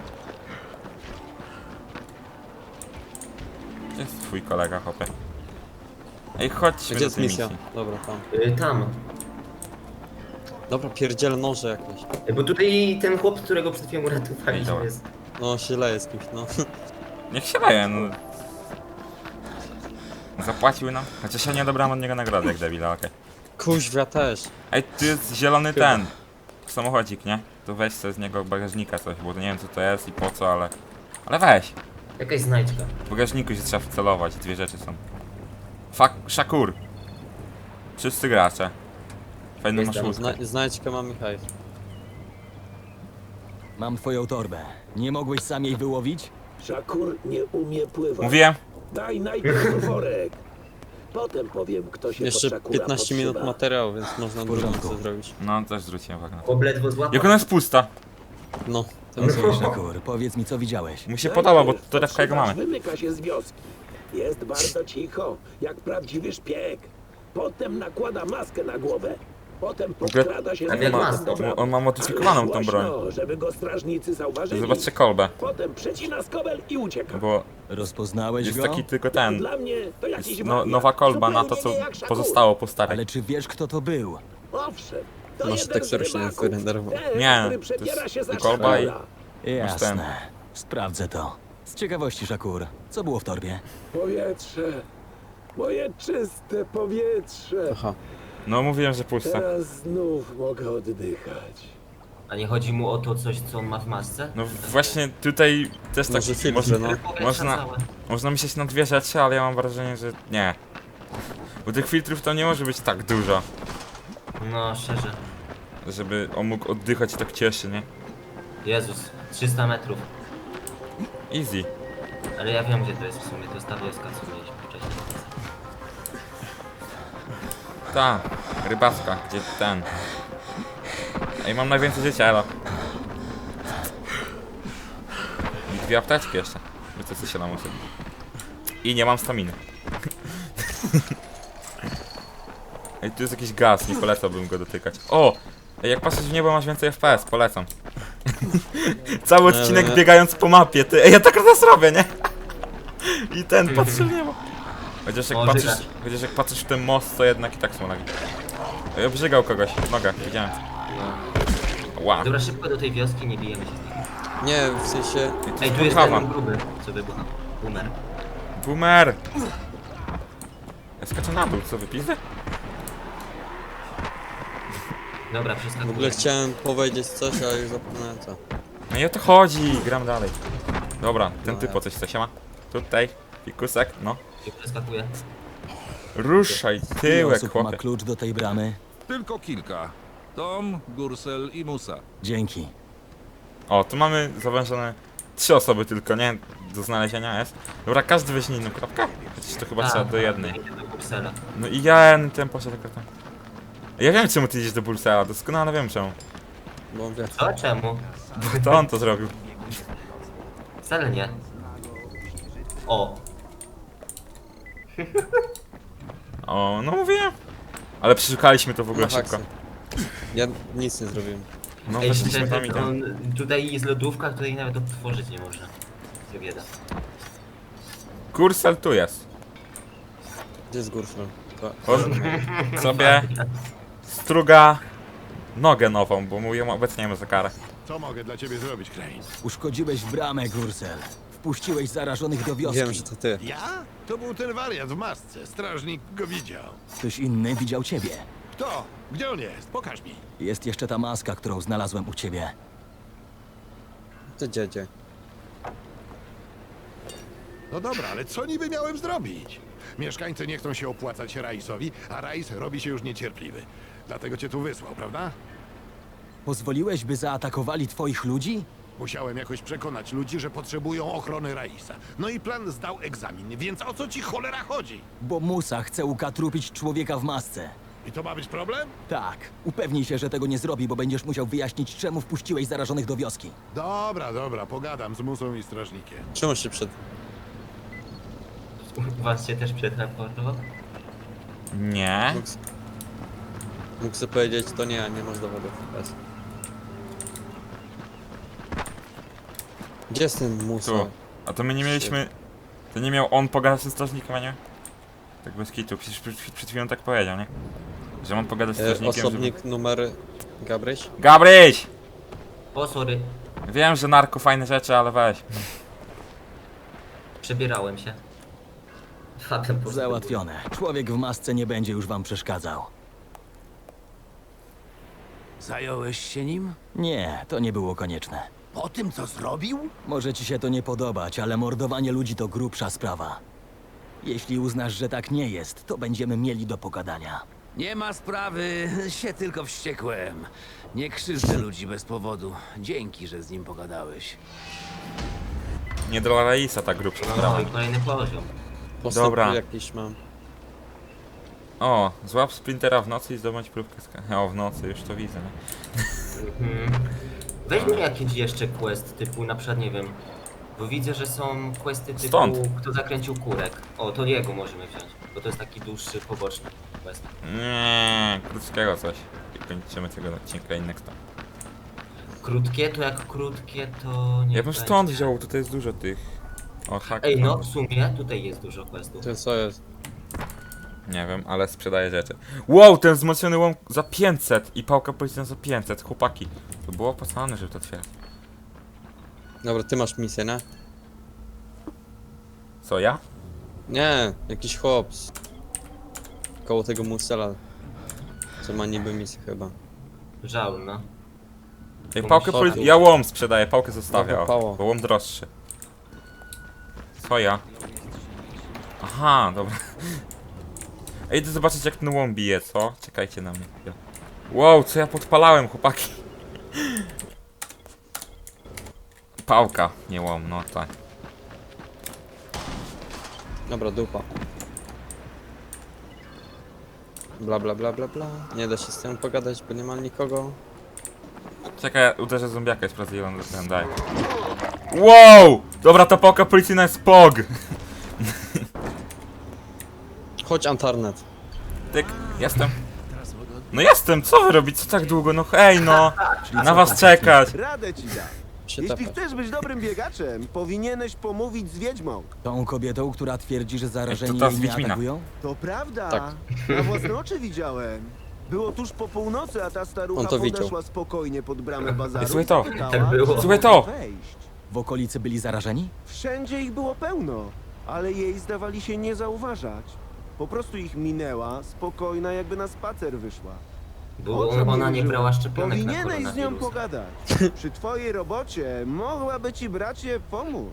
[SPEAKER 1] Gdzie jest twój kolega, chłopie? Ej, chodźmy
[SPEAKER 2] Gdzie
[SPEAKER 1] do
[SPEAKER 2] jest
[SPEAKER 1] tej
[SPEAKER 2] misja?
[SPEAKER 1] misji.
[SPEAKER 2] Dobra, tam.
[SPEAKER 3] Y, tam.
[SPEAKER 2] Dobra, pierdziel noże jakieś.
[SPEAKER 3] Y, Bo tutaj ten chłop, którego przed chwilą
[SPEAKER 1] Ej,
[SPEAKER 3] uratowaliśmy
[SPEAKER 1] dobra.
[SPEAKER 3] jest.
[SPEAKER 2] No, się leje z kimś, no.
[SPEAKER 1] Niech się daje, no. Zapłacił nam. Chociaż ja nie odebrałem od niego nagrody, jak debila, okej.
[SPEAKER 2] Kuźwia też.
[SPEAKER 1] Ej, tu jest zielony
[SPEAKER 2] Chyba.
[SPEAKER 1] ten samochodzik, nie? To weź sobie z niego bagażnika coś, bo to nie wiem co to jest i po co, ale... Ale weź!
[SPEAKER 3] Jakaś znajdźka.
[SPEAKER 1] W bagażniku się trzeba wcelować, dwie rzeczy są. Fak... Szakur! Wszyscy gracze. Fajną
[SPEAKER 3] Jest
[SPEAKER 1] masz
[SPEAKER 3] tam,
[SPEAKER 1] łódkę.
[SPEAKER 2] Zna znajdźkę mam Michał.
[SPEAKER 5] Mam twoją torbę. Nie mogłeś sam jej wyłowić?
[SPEAKER 7] Szakur nie umie pływać.
[SPEAKER 1] Mówiłem?
[SPEAKER 7] Daj najpierw worek. Potem powiem, kto się
[SPEAKER 2] Jeszcze
[SPEAKER 7] pod Szakura
[SPEAKER 2] piętnaście minut
[SPEAKER 7] podszywa.
[SPEAKER 2] materiału, więc można dużo
[SPEAKER 5] porządku.
[SPEAKER 2] co zrobić.
[SPEAKER 1] No, też zwróciłem uwagę na to.
[SPEAKER 3] Chłop ledwo złapał.
[SPEAKER 1] Jak ona jest pusta?
[SPEAKER 2] No, To jest ważne.
[SPEAKER 5] Szakur, powiedz mi, co widziałeś.
[SPEAKER 1] Mu się podoba, bo torebka jego
[SPEAKER 7] Podszywasz
[SPEAKER 1] mamy.
[SPEAKER 7] wymyka się z wioski. Jest bardzo cicho, jak prawdziwy szpieg. Potem nakłada maskę na głowę. Potem podkrada się
[SPEAKER 3] tak
[SPEAKER 7] z
[SPEAKER 3] jak
[SPEAKER 7] powrotem
[SPEAKER 3] maskę.
[SPEAKER 7] do bramy.
[SPEAKER 1] On ma modyfikowaną
[SPEAKER 7] Ale
[SPEAKER 1] tą broń.
[SPEAKER 7] głośno, żeby go strażnicy zauważyli.
[SPEAKER 1] Zobaczcie kolbę,
[SPEAKER 7] Potem przecina skobel i ucieka.
[SPEAKER 1] bo
[SPEAKER 5] Rozpoznałeś
[SPEAKER 1] jest
[SPEAKER 5] go?
[SPEAKER 1] taki tylko
[SPEAKER 7] A
[SPEAKER 1] ten,
[SPEAKER 7] Dla mnie to jakiś
[SPEAKER 1] no,
[SPEAKER 7] wariat.
[SPEAKER 1] nowa kolba na to,
[SPEAKER 7] Zupełnie
[SPEAKER 1] co
[SPEAKER 7] nie jak Szakur.
[SPEAKER 1] pozostało po starej.
[SPEAKER 5] Ale czy wiesz, kto to był?
[SPEAKER 7] Owszem, to
[SPEAKER 2] Masz
[SPEAKER 7] jeden
[SPEAKER 2] tekst,
[SPEAKER 7] z
[SPEAKER 2] który się nie
[SPEAKER 7] rybaków.
[SPEAKER 2] wyrenderował.
[SPEAKER 7] Ten,
[SPEAKER 1] Nie,
[SPEAKER 7] który
[SPEAKER 1] to
[SPEAKER 7] przebiera
[SPEAKER 1] jest
[SPEAKER 7] się za
[SPEAKER 1] kolba i-
[SPEAKER 7] Szakura.
[SPEAKER 5] Jasne. Sprawdzę to. Z ciekawości, Szakur, co było w torbie?
[SPEAKER 7] Powietrze. Moje czyste powietrze.
[SPEAKER 2] Aha.
[SPEAKER 1] No mówiłem, że puste.
[SPEAKER 7] Teraz znów mogę oddychać.
[SPEAKER 3] A nie chodzi mu o to coś, co on ma w masce?
[SPEAKER 1] No właśnie tutaj też tak
[SPEAKER 2] Może filtr,
[SPEAKER 1] można,
[SPEAKER 2] no.
[SPEAKER 3] Powietrza
[SPEAKER 1] można,
[SPEAKER 3] całe.
[SPEAKER 1] można myśleć na dwie rzeczy, ale ja mam wrażenie, że nie. Bo tych filtrów to nie może być tak dużo,
[SPEAKER 3] No, szczerze.
[SPEAKER 1] żeby on mógł oddychać i tak cieszy, nie?
[SPEAKER 3] Jezus, trzysta metrów.
[SPEAKER 1] Easy.
[SPEAKER 3] Ale ja wiem, gdzie to jest w sumie. To jest ta wioska, co mieliśmy wcześniej.
[SPEAKER 1] Ta, rybacka, gdzie ten. Ej, mam najwięcej życia, elo. I dwie apteczki jeszcze. Bo to się nam uczy. I nie mam staminy. Ej, tu jest jakiś gaz, nie polecałbym go dotykać. O! Ej, jak patrzysz w niebo, masz więcej F P S, polecam. Cały odcinek
[SPEAKER 2] Ale-
[SPEAKER 1] biegając po mapie, ty. Ej, ja tak teraz robię, nie? I ten patrzy w niebo. Chociaż jak
[SPEAKER 3] O,
[SPEAKER 1] patrzysz,
[SPEAKER 3] żygać.
[SPEAKER 1] chociaż jak patrzysz w ten most, to jednak i tak są lagi. Ej, obrzygał kogoś w nogach, widziałem. Wow.
[SPEAKER 3] Dobra, szybko do tej wioski, nie bijemy się z nim.
[SPEAKER 2] Nie, w sensie...
[SPEAKER 3] Ej, tu jest
[SPEAKER 1] Kawa.
[SPEAKER 3] ten gruby, co wybucha. Boomer.
[SPEAKER 1] Boomer! Ja skaczę na dół, co wypizdę?
[SPEAKER 3] Dobra,
[SPEAKER 2] W
[SPEAKER 3] przeskakuję.
[SPEAKER 2] ogóle chciałem powiedzieć coś, ale już zapomniałem co.
[SPEAKER 1] No i o to chodzi, gram dalej. Dobra, ten typ po coś chce, siema. Tutaj, fikusek, no.
[SPEAKER 3] I przeskakuję.
[SPEAKER 1] Ruszaj,
[SPEAKER 5] Ile
[SPEAKER 1] tyłek,
[SPEAKER 5] osób ma
[SPEAKER 1] chłopie.
[SPEAKER 5] klucz do tej bramy?
[SPEAKER 8] Tylko kilka. Tom, Gursel i Musa.
[SPEAKER 5] Dzięki.
[SPEAKER 1] O, tu mamy zawężone trzy osoby tylko, nie? Do znalezienia jest. Dobra, każdy weźmie inną kropkę? Chociaż to chyba trzeba do jednej.
[SPEAKER 3] Idę do Bruksela.
[SPEAKER 1] No i ja ten poszedł akurat tam. Ja wiem czemu ty idziesz do Bursela, doskonale wiem czemu.
[SPEAKER 2] Bo wie.
[SPEAKER 3] Co? Czemu?
[SPEAKER 1] Bo to on to zrobił.
[SPEAKER 3] Wcale nie. O,
[SPEAKER 1] O, no mówiłem. Ale przeszukaliśmy to w ogóle
[SPEAKER 2] No
[SPEAKER 1] szybko.
[SPEAKER 2] haksy. Ja nic nie zrobiłem.
[SPEAKER 1] No
[SPEAKER 3] ej,
[SPEAKER 1] weszliśmy
[SPEAKER 3] szczerze,
[SPEAKER 1] tam i tam.
[SPEAKER 3] on, tutaj jest lodówka, której nawet otworzyć nie można. Co bieda.
[SPEAKER 1] Kursel tu jest.
[SPEAKER 2] Gdzie jest Gurfel?
[SPEAKER 1] On sobie struga nogę nową, bo mu ją obecnie mamy za karę.
[SPEAKER 8] Co mogę dla ciebie zrobić, Crane?
[SPEAKER 5] Uszkodziłeś bramę, Gursel. Wpuściłeś zarażonych do wioski.
[SPEAKER 2] Wiem, że to ty.
[SPEAKER 8] Ja? To był ten wariat w masce. Strażnik go widział.
[SPEAKER 5] Ktoś inny widział ciebie.
[SPEAKER 8] Kto? Gdzie on jest? Pokaż mi.
[SPEAKER 5] Jest jeszcze ta maska, którą znalazłem u ciebie.
[SPEAKER 2] To dziedzie.
[SPEAKER 8] No dobra, ale co niby miałem zrobić? Mieszkańcy nie chcą się opłacać Raisowi, a Rais robi się już niecierpliwy. Dlatego cię tu wysłał, prawda?
[SPEAKER 5] Pozwoliłeś, by zaatakowali twoich ludzi?
[SPEAKER 8] Musiałem jakoś przekonać ludzi, że potrzebują ochrony Raisa. No i plan zdał egzamin, więc o co ci cholera chodzi?
[SPEAKER 5] Bo Musa chce ukatrupić człowieka w masce.
[SPEAKER 8] I to ma być problem?
[SPEAKER 5] Tak. Upewnij się, że tego nie zrobi, bo będziesz musiał wyjaśnić, czemu wpuściłeś zarażonych do wioski.
[SPEAKER 8] Dobra, dobra, pogadam z Musą i strażnikiem.
[SPEAKER 2] Czemu się przed...
[SPEAKER 3] U was się też przetransportował?
[SPEAKER 1] Nie.
[SPEAKER 2] Mógł, mógł sobie powiedzieć, to nie, nie masz dowodów. Bez. Gdzie jest ten Musa?
[SPEAKER 1] Tu. A to my nie mieliśmy... To nie miał on pogadać ze strażnikiem, a nie? Tak bez kitu, przecież przed, przed chwilą tak powiedział, nie? Że mam pogadać z
[SPEAKER 2] E,
[SPEAKER 1] strażnikiem,
[SPEAKER 2] osobnik numer... Gabryś?
[SPEAKER 1] żeby... Gabryś!
[SPEAKER 3] O, sorry.
[SPEAKER 1] Wiem, że narko fajne rzeczy, ale weź.
[SPEAKER 3] Przebierałem się. Fabian poszedł.
[SPEAKER 5] Załatwione. Człowiek w masce nie będzie już wam przeszkadzał.
[SPEAKER 4] Zająłeś się nim?
[SPEAKER 5] Nie, to nie było konieczne.
[SPEAKER 4] Po tym, co zrobił?
[SPEAKER 5] Może ci się to nie podobać, ale mordowanie ludzi to grubsza sprawa. Jeśli uznasz, że tak nie jest, to będziemy mieli do pogadania.
[SPEAKER 9] Nie ma sprawy, się tylko wściekłem. Nie krzywdzę ludzi bez powodu. Dzięki, że z nim pogadałeś.
[SPEAKER 1] Nie dla Raisa ta grubsza sprawa.
[SPEAKER 3] No i kolejny poziom.
[SPEAKER 2] Postęp
[SPEAKER 1] Dobra.
[SPEAKER 2] jakiś mam.
[SPEAKER 1] O, złap sprintera w nocy i zdobądź próbkę z... O, w nocy, już to widzę, nie?
[SPEAKER 3] Mhm. Weźmy jakiś jeszcze quest typu, na przykład nie wiem, bo widzę, że są questy typu,
[SPEAKER 1] Stąd.
[SPEAKER 3] kto zakręcił kurek. O, to jego możemy wziąć, bo to jest taki dłuższy, poboczny quest.
[SPEAKER 1] Nie, krótkiego coś. I kończymy tego odcinka i next time.
[SPEAKER 3] Krótkie to jak krótkie to nie
[SPEAKER 1] Ja bym stąd wziął, tutaj jest dużo tych. O, hak.
[SPEAKER 3] Ej, no w sumie tutaj jest dużo questów.
[SPEAKER 2] To co jest?
[SPEAKER 1] Nie wiem, ale sprzedaję rzeczy. Wow, ten wzmocniony łom za pięćset i pałka policyjna za pięćset, chłopaki. To było opłacalne, żeby to otwierać.
[SPEAKER 2] Dobra, ty masz misję, nie?
[SPEAKER 1] Co, ja?
[SPEAKER 2] Nie, jakiś chłops. Koło tego musela. Co ma niby misję chyba.
[SPEAKER 3] Żal, no.
[SPEAKER 1] Ej, pałkę
[SPEAKER 2] Chodź.
[SPEAKER 1] poli... Ja łom sprzedaję, pałkę zostawię,
[SPEAKER 2] Dobra,
[SPEAKER 1] o,
[SPEAKER 2] pało.
[SPEAKER 1] bo łom droższy. Co ja? Aha, dobra. Ej, idę zobaczyć jak ten łom bije, co? Czekajcie na mnie. Wow, co ja podpalałem, chłopaki. Pałka, nie łom, no tak.
[SPEAKER 2] Dobra, dupa. Bla bla bla bla bla. Nie da się z tym pogadać, bo nie ma nikogo.
[SPEAKER 1] Czekaj, ja uderzę zombiaka i sprawdzę ile on ten daje. Wow! Dobra, ta pałka policyjna jest pog!
[SPEAKER 2] Chodź Antarnet.
[SPEAKER 1] Tyk, jestem. No jestem, co wy robicie? Co tak długo? No hej no! Na was czekać!
[SPEAKER 10] Radę ci dam.
[SPEAKER 2] Się
[SPEAKER 10] Jeśli
[SPEAKER 2] tepa.
[SPEAKER 10] chcesz być dobrym biegaczem, powinieneś pomówić z wiedźmą.
[SPEAKER 5] Tą kobietą, która twierdzi, że zarażeni
[SPEAKER 1] to ta z
[SPEAKER 5] jej nie
[SPEAKER 1] Wiedźmina.
[SPEAKER 5] atakują?
[SPEAKER 10] To prawda.
[SPEAKER 2] Tak.
[SPEAKER 10] Na własne oczy widziałem. Było tuż po północy, a ta starucha
[SPEAKER 2] On to widział.
[SPEAKER 10] podeszła spokojnie pod bramę bazaru.
[SPEAKER 1] Słuchaj to.
[SPEAKER 10] i zapytała,
[SPEAKER 3] Tak było.
[SPEAKER 10] czy
[SPEAKER 1] Słuchaj to.
[SPEAKER 10] może wejść.
[SPEAKER 5] W okolicy byli zarażeni?
[SPEAKER 10] Wszędzie ich było pełno, ale jej zdawali się nie zauważać. Po prostu ich minęła, spokojna, jakby na spacer wyszła.
[SPEAKER 3] Bo
[SPEAKER 10] O czym
[SPEAKER 3] ona nie
[SPEAKER 10] mówił?
[SPEAKER 3] brała szczepionek na
[SPEAKER 10] Powinieneś z nią
[SPEAKER 3] koronawirusa.
[SPEAKER 10] pogadać. Przy twojej robocie mogłaby ci bracie pomóc.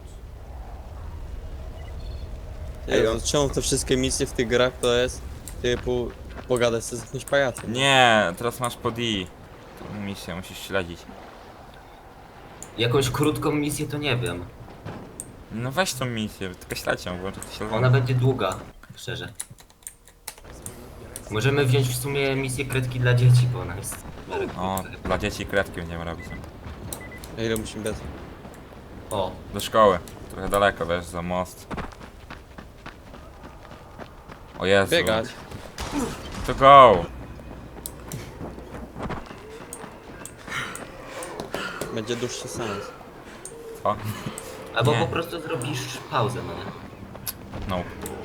[SPEAKER 2] Ej, czemu te wszystkie misje w tych grach to jest typu pogadać z jakimś pajacem?
[SPEAKER 1] Nie, teraz masz pod I. Tą misję musisz śledzić.
[SPEAKER 3] Jakąś krótką misję to nie wiem.
[SPEAKER 1] No weź tą misję, tylko śledź ją, włączę to śledzenie.
[SPEAKER 3] Ona będzie długa, szczerze. Możemy wziąć w sumie misję kredki dla dzieci, bo ona jest... w miarę
[SPEAKER 1] O,
[SPEAKER 3] krótka chyba.
[SPEAKER 1] dla dzieci kredki będziemy robić.
[SPEAKER 2] A ile musimy biec?
[SPEAKER 3] O,
[SPEAKER 1] Do szkoły. Trochę daleko, wiesz, za most. O Jezu.
[SPEAKER 2] Biegać.
[SPEAKER 1] To go!
[SPEAKER 2] Będzie dłuższy sens.
[SPEAKER 1] Co?
[SPEAKER 3] albo
[SPEAKER 1] Nie.
[SPEAKER 3] po prostu zrobisz pauzę, no nie?
[SPEAKER 1] No.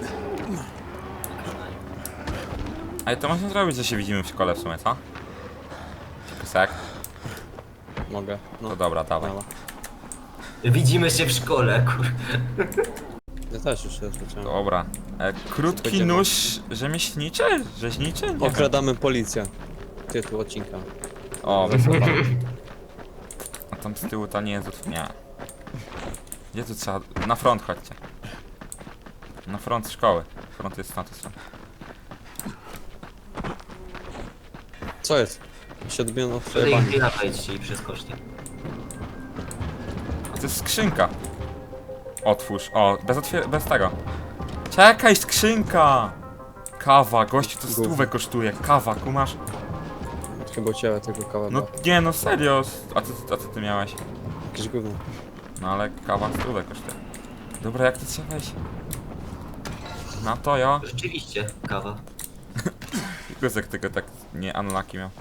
[SPEAKER 1] Ale to można zrobić, że się widzimy w szkole w sumie, co? Sek.
[SPEAKER 2] Mogę. No.
[SPEAKER 1] To dobra, dawaj.
[SPEAKER 2] Mała.
[SPEAKER 3] Widzimy się w szkole, kur...
[SPEAKER 2] Ja też już raz zacząłem.
[SPEAKER 1] Dobra. E, krótki
[SPEAKER 2] Będziemy.
[SPEAKER 1] nóż rzemieślniczy? Rzeźniczy? Nie wiem.
[SPEAKER 2] Okradamy policję. Tytuł odcinka.
[SPEAKER 1] O, wesoła. A tam z tyłu ta nie jest... Nie. Gdzie tu trzeba... Na front chodźcie. Na front szkoły. Front jest na tej stronie.
[SPEAKER 2] Co jest? Się odbiono w
[SPEAKER 3] Tutaj
[SPEAKER 2] bani.
[SPEAKER 3] chwila wejdźcie i przeskoczcie.
[SPEAKER 1] A to jest skrzynka. Otwórz. O, bez otwier... bez tego. Czekaj, skrzynka! Kawa, gościu to stówę kosztuje. Kawa, kumasz?
[SPEAKER 2] Chyba u ciebie tego kawa
[SPEAKER 1] No
[SPEAKER 2] była.
[SPEAKER 1] nie, no serio. A co, a co ty miałeś?
[SPEAKER 2] Jakieś gówno.
[SPEAKER 1] No ale kawa stówę kosztuje. Dobra, jak to trzeba wejść? Na to, jo.
[SPEAKER 3] Rzeczywiście, kawa.
[SPEAKER 1] Guzek tylko tak nie unlucky miał.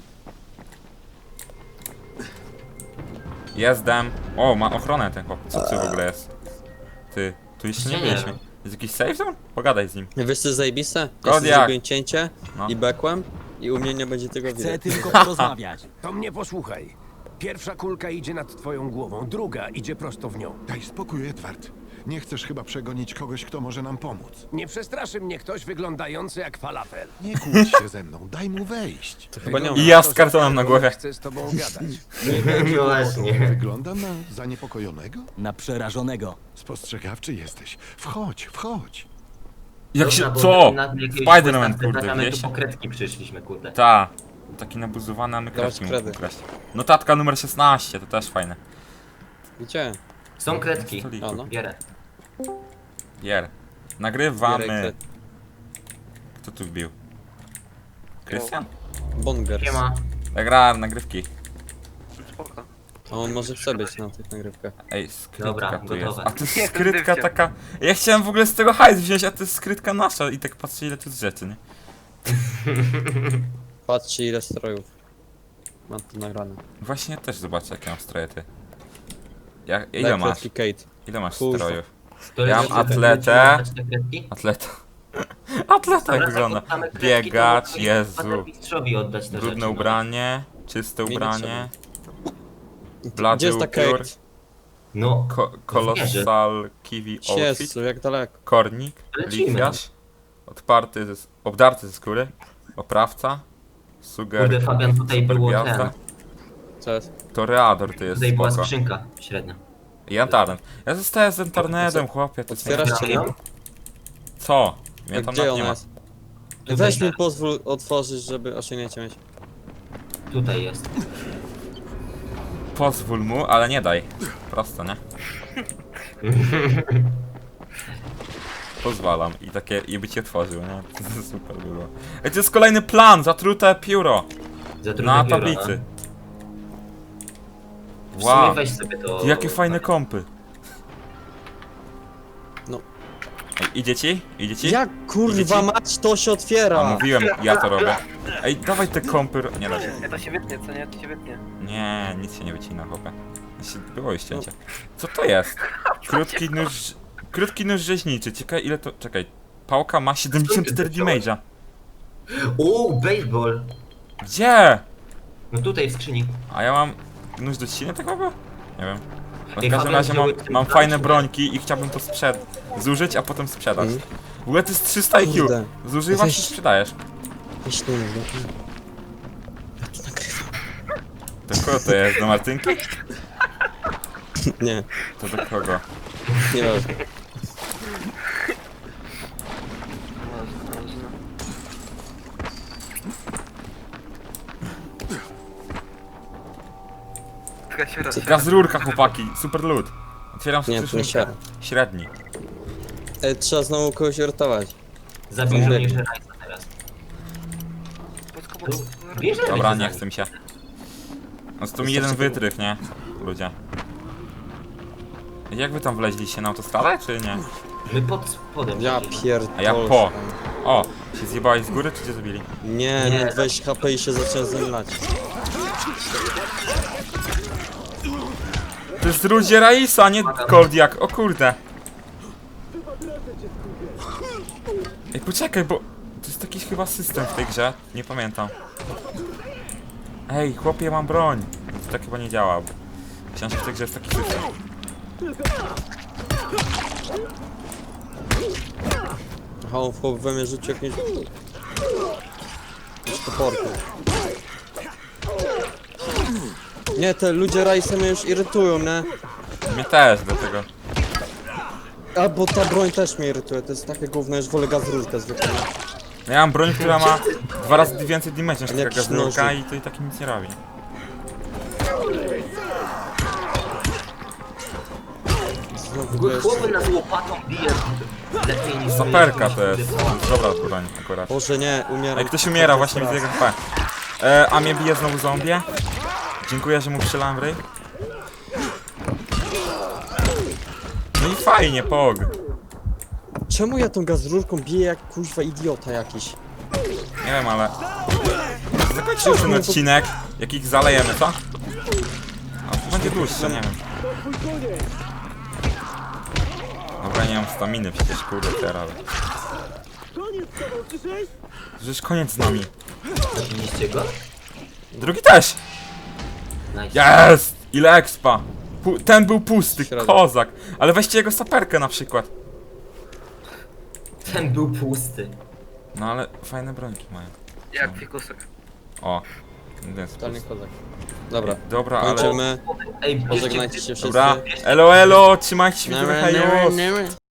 [SPEAKER 1] Jestem. O, ma ochronę ten chłop. Co ty w ogóle jest? Ty, tu jeszcze nie
[SPEAKER 3] Nie
[SPEAKER 1] byliśmy.
[SPEAKER 3] wiem.
[SPEAKER 1] Jest jakiś safe zone? Pogadaj z nim.
[SPEAKER 2] Wiesz co jest zajebiste? Ja
[SPEAKER 1] Kodiak.
[SPEAKER 2] sobie zrobiłem cięcie
[SPEAKER 1] No.
[SPEAKER 2] i bekłem i u mnie nie będzie tego
[SPEAKER 5] Chcę
[SPEAKER 2] widać.
[SPEAKER 5] tylko porozmawiać.
[SPEAKER 4] To mnie posłuchaj. Pierwsza kulka idzie nad twoją głową, druga idzie prosto w nią.
[SPEAKER 8] Daj spokój, Edward. Nie chcesz chyba przegonić kogoś, kto może nam pomóc.
[SPEAKER 4] Nie przestraszy mnie ktoś wyglądający jak falafel.
[SPEAKER 8] Nie kłóć się ze mną, daj mu wejść.
[SPEAKER 2] To chyba nie
[SPEAKER 1] I
[SPEAKER 2] on.
[SPEAKER 1] ja z kartonem na głowie.
[SPEAKER 4] Chcę z tobą gadać.
[SPEAKER 3] No właśnie.
[SPEAKER 8] Wyglądam na zaniepokojonego?
[SPEAKER 5] Na przerażonego.
[SPEAKER 8] Spostrzegawczy jesteś. Wchodź, wchodź.
[SPEAKER 1] Jak
[SPEAKER 3] Dobra,
[SPEAKER 1] się...
[SPEAKER 3] bo
[SPEAKER 1] Co?
[SPEAKER 3] na jakiegoś
[SPEAKER 1] Spiderman,
[SPEAKER 3] questa
[SPEAKER 1] kurde,
[SPEAKER 3] wkraczamy,
[SPEAKER 1] wiesz?
[SPEAKER 3] tu po kredki przyszliśmy, kurde.
[SPEAKER 1] Ta. Taki nabuzowany, a my
[SPEAKER 2] Dawać
[SPEAKER 1] kredki
[SPEAKER 2] kredy.
[SPEAKER 1] mógł ukraść. Notatka numer szesnaście, to też fajne.
[SPEAKER 2] Gdzie?
[SPEAKER 3] Są kredki.
[SPEAKER 1] Stoliku.
[SPEAKER 2] A no.
[SPEAKER 3] Bierę.
[SPEAKER 1] Jer. Nagrywamy.
[SPEAKER 2] Bierek,
[SPEAKER 1] Kto tu wbił? Krystian?
[SPEAKER 2] Bongers.
[SPEAKER 3] Nie ma.
[SPEAKER 1] Ja gra nagrywki.
[SPEAKER 2] A on może chce być na tych nagrywkach.
[SPEAKER 1] Ej, skrytka
[SPEAKER 3] Dobra,
[SPEAKER 1] tu jest.
[SPEAKER 3] gotowe.
[SPEAKER 1] A to jest
[SPEAKER 6] Jestem
[SPEAKER 1] skrytka
[SPEAKER 6] dywciem.
[SPEAKER 1] taka... Ja chciałem w ogóle z tego hajs wziąć, a to jest skrytka nasza i tak patrzę ile tu jest rzeczy, nie?
[SPEAKER 2] Patrzcie ile strojów. Mam to nagrane.
[SPEAKER 1] Właśnie też zobaczę jakie mam stroje ty. Ja, ile
[SPEAKER 2] Daj
[SPEAKER 1] masz?
[SPEAKER 2] kredki Kate.
[SPEAKER 1] Ile masz
[SPEAKER 2] Kurwa.
[SPEAKER 1] strojów?
[SPEAKER 3] Który
[SPEAKER 1] Ja mam
[SPEAKER 3] ci-
[SPEAKER 1] atletę.
[SPEAKER 3] Będziemy te kredki?
[SPEAKER 1] Atleta. Atleta
[SPEAKER 3] Dobra,
[SPEAKER 1] jak wygląda.
[SPEAKER 3] zakładamy kredki, to
[SPEAKER 1] Biegacz,
[SPEAKER 3] mogę
[SPEAKER 1] Jezu.
[SPEAKER 3] mistrzowi oddać te
[SPEAKER 1] Brudne
[SPEAKER 3] rzeczy, no.
[SPEAKER 1] ubranie, czyste
[SPEAKER 2] Mi nie
[SPEAKER 1] ubranie,
[SPEAKER 2] Gdzie
[SPEAKER 1] blady
[SPEAKER 2] jest ta
[SPEAKER 1] upiór,
[SPEAKER 2] Kate?
[SPEAKER 3] No,
[SPEAKER 1] ko colossal kiwi outfit,
[SPEAKER 2] Jezu, jak daleko.
[SPEAKER 1] kornik,
[SPEAKER 3] Lecimy.
[SPEAKER 1] lichwiarz, odparty, ze, obdarty ze skóry, oprawca, suger,
[SPEAKER 3] kurde Fabian, tutaj
[SPEAKER 1] super
[SPEAKER 3] było
[SPEAKER 1] gwiazda,
[SPEAKER 3] ten.
[SPEAKER 2] Co jest?
[SPEAKER 1] toreador to jest
[SPEAKER 3] Tutaj była
[SPEAKER 1] spoko.
[SPEAKER 3] skrzynka średnia.
[SPEAKER 1] I Antarnet. Ja zostaję z Antarnetem, chłopie, to jest
[SPEAKER 2] Otwierasz
[SPEAKER 1] nie...
[SPEAKER 2] czy nie?
[SPEAKER 3] ją?
[SPEAKER 1] Co? Mnie
[SPEAKER 2] A
[SPEAKER 1] tam
[SPEAKER 2] gdzie
[SPEAKER 1] nawet
[SPEAKER 2] ona
[SPEAKER 1] nie ma.
[SPEAKER 2] jest?
[SPEAKER 3] Tutaj
[SPEAKER 2] Weź mi
[SPEAKER 3] teraz.
[SPEAKER 2] pozwól otworzyć, żeby osiągnięcie mieć.
[SPEAKER 3] Tutaj jest.
[SPEAKER 1] Pozwól mu, ale nie daj. Prosto, nie? Pozwalam i takie, i by cię otworzył, nie? To super było. Ej, to jest kolejny plan, zatrute pióro
[SPEAKER 3] Zatrute
[SPEAKER 1] na
[SPEAKER 3] pióro,
[SPEAKER 1] tablicy.
[SPEAKER 3] No. W sumie
[SPEAKER 1] Wow,
[SPEAKER 3] weź sobie to...
[SPEAKER 1] Ty, jakie fajne kompy.
[SPEAKER 2] No.
[SPEAKER 1] Ej, idzie ci? Idzie ci?
[SPEAKER 2] Jak kurwa mać to się
[SPEAKER 1] A
[SPEAKER 2] otwiera?
[SPEAKER 1] mówiłem, ja to robię. Ej, dawaj te kompy, ro- nie da się.
[SPEAKER 6] Nie, to się wytnie, co nie? To się wytnie.
[SPEAKER 1] Nie, nic się nie wycina, chłopie. Jeśli było już cięcie. Co to jest? Krótki nóż... Krótki nóż rzeźniczy, ciekawe ile to... Czekaj. Pałka ma siedemdziesiąt cztery damage'a.
[SPEAKER 3] O, baseball!
[SPEAKER 1] Gdzie?
[SPEAKER 3] No tutaj w skrzyni.
[SPEAKER 1] A ja mam nóż do ściny tak było? Nie wiem. No w
[SPEAKER 3] Ej,
[SPEAKER 1] każdym
[SPEAKER 3] Fabian,
[SPEAKER 1] razie mam,
[SPEAKER 3] wziąłeś ten
[SPEAKER 1] mam
[SPEAKER 3] plan,
[SPEAKER 1] fajne
[SPEAKER 3] czy nie?
[SPEAKER 1] brońki i chciałbym to sprzed... zużyć, a potem sprzedać.
[SPEAKER 2] Mhm.
[SPEAKER 1] W ogóle to jest trzysta I Q.
[SPEAKER 2] Kurde.
[SPEAKER 1] Zużywasz i
[SPEAKER 2] Weź.
[SPEAKER 1] sprzedajesz.
[SPEAKER 2] Myślę, no. Ja to nagrywam.
[SPEAKER 1] Do kogo to jest? Do Martynki?
[SPEAKER 2] Nie,
[SPEAKER 1] To do kogo?
[SPEAKER 2] nie wiem.
[SPEAKER 6] Tylko się raz.
[SPEAKER 1] Gaz rurka, chłopaki. Super loot. Otwieram
[SPEAKER 2] Nie, to nie
[SPEAKER 1] skrzynkę.
[SPEAKER 2] siara.
[SPEAKER 1] Średni.
[SPEAKER 2] E, trzeba znowu kogoś uratować.
[SPEAKER 3] Zabił
[SPEAKER 2] Co?
[SPEAKER 3] żołnierza Rajsa teraz. Tu, bierzemy
[SPEAKER 1] Dobra,
[SPEAKER 3] cię
[SPEAKER 1] nie
[SPEAKER 3] za
[SPEAKER 1] chcę mi się. No to mi jeden wytrych, nie? Ludzie. Jak wy tam wleźliście na autostradę, czy nie?
[SPEAKER 3] My pod spodem.
[SPEAKER 2] Ja
[SPEAKER 3] siedzimy.
[SPEAKER 2] pierdolę.
[SPEAKER 1] A ja po. O, się zjebałeś z góry, czy cię zabili?
[SPEAKER 2] Nie,
[SPEAKER 3] Nie.
[SPEAKER 2] nie, weź H P i się zacząłem zemlać.
[SPEAKER 1] To jest ludzie Raisa, nie Koldiak. O kurde. Ej, poczekaj, bo... To jest jakiś chyba system w tej grze. Nie pamiętam. Ej, chłopie, mam broń. To tak chyba nie działa. Myślałem, że w tej grze jest taki system.
[SPEAKER 2] Aha, on w chłop we mnie rzucił jakieś... Jakieś toporki. Nie, te ludzie rajsy mnie już irytują, nie?
[SPEAKER 1] Mnie też, dlatego.
[SPEAKER 2] A, bo ta broń też mnie irytuje, to jest takie gówno, już wolę gaz rurkę zwykle.
[SPEAKER 1] No ja mam broń, która ma dwa razy więcej damage niż taka
[SPEAKER 2] Jakiś
[SPEAKER 1] gaznurka
[SPEAKER 2] nożyk.
[SPEAKER 1] i to i tak nic nie robi.
[SPEAKER 2] Znowu
[SPEAKER 3] W ogóle
[SPEAKER 2] jeszcze...
[SPEAKER 3] chłopy nas łopatą bije lepiej niż...
[SPEAKER 1] Saperka to jest. Dobra broń akurat.
[SPEAKER 2] Boże, nie, umieram.
[SPEAKER 1] Ej, ktoś umiera właśnie z jego H P. E, a mnie bije znowu zombie. Dziękuję, że mu strzelałem w ryj. No i fajnie, pog.
[SPEAKER 2] Czemu ja tą gaz rurką biję jak kuźwa idiota jakiś?
[SPEAKER 1] Nie wiem, ale... Zakończył ten odcinek. Jak ich zalejemy, co? A, będzie dłuższy, nie wiem. Dobra, nie mam staminy przecież, kurde, teraz. Przecież koniec z nami.
[SPEAKER 3] Zabiliście go?
[SPEAKER 1] Drugi też!
[SPEAKER 3] Nice.
[SPEAKER 1] Jest! Ile expa! Pu ten był pusty,
[SPEAKER 2] Średnio.
[SPEAKER 1] kozak. Ale weźcie jego saperkę na przykład.
[SPEAKER 3] Ten był pusty.
[SPEAKER 1] No ale fajne brońki mają.
[SPEAKER 6] Jak fikusek.
[SPEAKER 1] O. Więc
[SPEAKER 2] Totalnie kozak. Dobra,
[SPEAKER 1] Dobra, ale...
[SPEAKER 2] kończymy.
[SPEAKER 3] Ej, bierzcie
[SPEAKER 2] Pożegnajcie się wszyscy.
[SPEAKER 1] Dobra, elo elo, trzymajcie się,
[SPEAKER 2] Nie,
[SPEAKER 1] hej,
[SPEAKER 2] nie,
[SPEAKER 1] już.
[SPEAKER 2] nie, nie.